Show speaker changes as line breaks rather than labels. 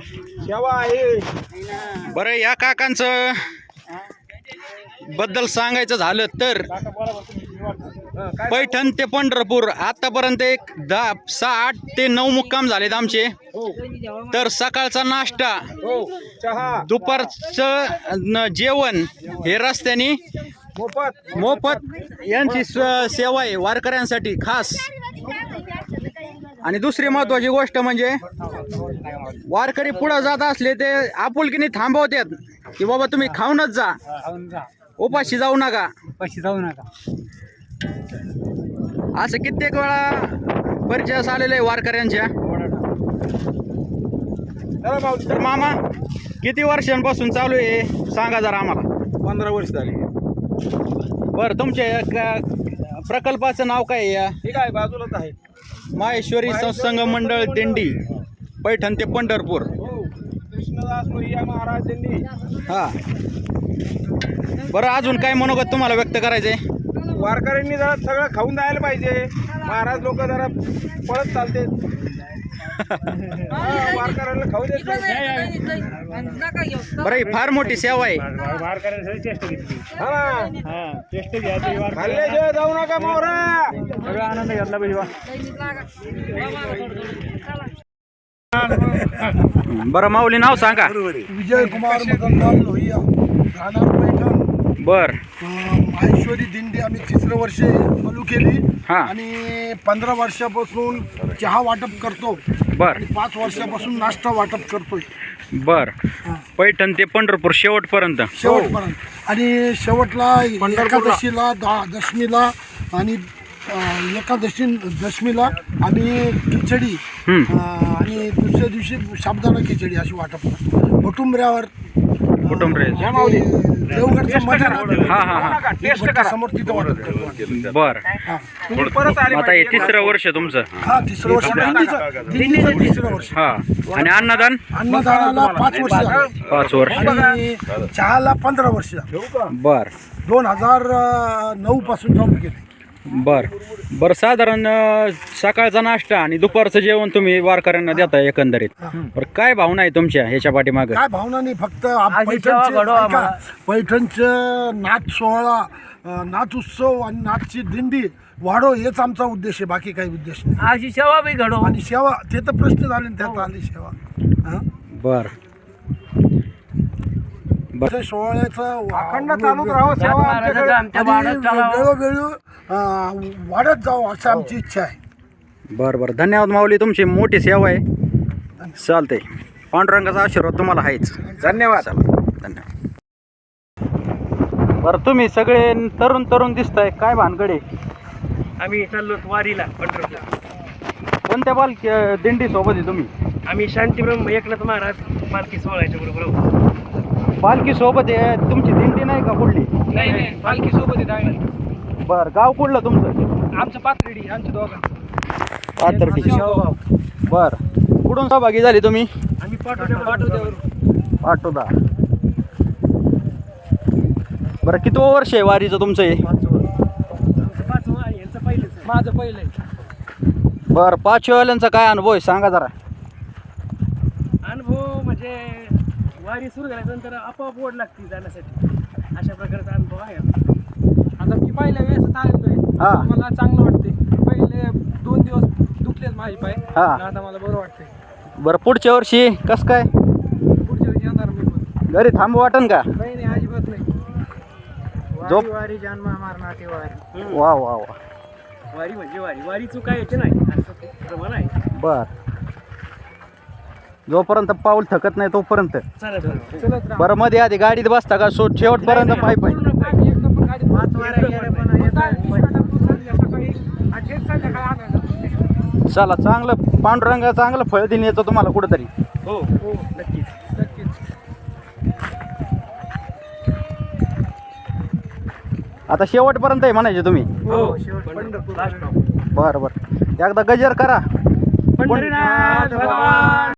सेवा आहे.
बरं, या काकांचं बद्दल सांगायचं झालं तर पैठण ते पंढरपूर आतापर्यंत एक 6, 8 ते 9 मुक्काम झालेत आमचे. तर सकाळचा नाश्ता,
चहा,
दुपारचं जेवण हे रस्त्याने मोफत यांची सेवा आहे वारकऱ्यांसाठी खास. आणि दुसरी महत्वाची गोष्ट म्हणजे वारकरी पुढे जात असले ते आपुलकीने थांबवतात की बाबा तुम्ही खाऊनच जा, उपाशी जाऊ नका. असं कित्येक वेळा परिचय आलेले आहे वारकऱ्यांच्या. तर मामा, किती वर्षांपासून चालू आहे सांगा जरा आम्हाला.
15 वर्ष झाली.
बरं, तुमच्या प्रकल्पाचं नाव काय आहे?
ठीक आहे, बाजूलाच आहे.
माहेश्वरी सत्संग मंडळ दिंडी पैठण ते पंढरपूर.
कृष्णदास मोरिया महाराज दिंडी.
हा, बरं, अजून काय मनोगत तुम्हाला व्यक्त करायचंय?
वारकऱ्यांनी जरा सगळं खाऊन जायला पाहिजे. महाराज लोक जरा पळत चालते. वारकऱ्यांना खाऊ देत नाही.
बरं, ही फार मोठी सेवा आहे.
खाल्ल्याशिवाय जाऊ नका मोरा.
सगळा आनंद घेतला पाहिजे.
बरं माऊली, नाव सांगा.
विजय कुमार मदनलाल लोहिया, राहणार पैठण.
बर,
माहेश्वरी दिंडी आम्ही 3रं वर्ष चालू केली.
हा.
आणि 15 वर्षापासून चहा वाटप करतो.
बर,
आणि 5 वर्षापासून नाश्ता वाटप करतोय.
बर. पैठण ते पंढरपूर शेवटपर्यंत.
आणि शेवटला एकादशीला, दशमीला आणि दशमीला आम्ही खिचडी आणि दुसऱ्या दिवशी साबुदाणा खिचडी अशी वाटप करतो. कुटुंबऱ्यावर देवगडचं मटण समोर तिथं वाटप करतो.
बर, आता हे 3रं वर्ष तुमचं.
हा, 3रं वर्ष दिंडीचं 3रं वर्ष.
हा, आणि
अन्नदानाला 5 वर्ष झाली.
5 वर्ष.
आणि चहाला 15 वर्ष झाली.
बर,
2009 पासून चालू केले.
बर. साधारण सकाळचा नाश्ता आणि दुपारचं जेवण तुम्ही वारकऱ्यांना देता एकंदरीत. बरं, काय भावना आहे तुमच्या ह्याच्या पाठीमागे?
काय भावना नाही, फक्त पैठणचं नाच सोहळा, नाच उत्सव आणि नाचची दिंडी वाढो हेच आमचा उद्देश आहे. बाकी काही उद्देश नाही.
अशी सेवा बी घडो.
आणि सेवा, ते तर प्रश्न झाले, त्यात आली सेवा.
बर,
सोहळ्याचं
अखंड चालूच राहावं सेवा आमच्याकडे.
वेळोवेळी वाढत जावं असं आमची इच्छा आहे.
बरं. धन्यवाद माऊली, तुमची मोठी सेवा आहे. चालतंय, पांडुरंगाचा आशीर्वाद तुम्हाला आहेच.
धन्यवाद.
धन्यवाद. बरं, तुम्ही सगळे तरुण दिसताय, काय भानगडे?
आम्ही चाललो वारीला पंढरपूर.
कोणत्या दिंडी सोबत आहे तुम्ही?
आम्ही शांतीब्रह्म एकनाथ महाराज पालखी सोहळ्याच्या बरोबर आहोत.
पालखी सोबत आहे तुमची? दिंडी नाही का कुठली?
नाही, पालखी सोबत आहे.
बरं, गाव कुठलं तुमचं?
आमचं पाथर्डी, आमच्या दोघांचं.
पाथर्डी. बरं, कुठून सहभागी झाली तुम्ही?
आम्ही पाठवतो.
पाटोदा. बरं, किती वर्ष आहे वारीचं तुमचं हे?
5 यांचं पहिलेच, माझं पहिलं आहे.
बरं, 5 वाल्यांचा काय अनुभव आहे सांगा जरा.
अनुभव म्हणजे वारी सुरू झाल्यानंतर आपोआप ओढ लागते जाण्यासाठी, अशा प्रकारचा अनुभव आहे. आता मी पहिल्या वेळेस आलेलो आहे, मला चांगलं वाटते. पहिले 2 दिवस दुखलेच माझे पाय, आता मला बरं वाटतंय.
बरं, पुढच्या वर्षी कसं काय?
पुढच्या वेळी येणार मी पण.
घरी थांबू वाटन का?
नाही, अजिबात नाही. वारी जन्म मारणार ते वारी.
वा वा वा.
वारी म्हणजे वारी चुकायचे नाही असं प्रमाण आहे.
बर, जोपर्यंत पाऊल थकत नाही तोपर्यंत. बरं, मध्ये आधी गाडीत बसता का शेवटपर्यंत? पाय चला, चांगलं पांडुरंगा चांगलं फळ देऊन येतो तुम्हाला कुठंतरी.
हो, नक्कीच.
आता शेवटपर्यंत आहे म्हणायचे तुम्ही?
हो,
बरं. एकदा गजर करा.
पंढरीनाथ भगवान.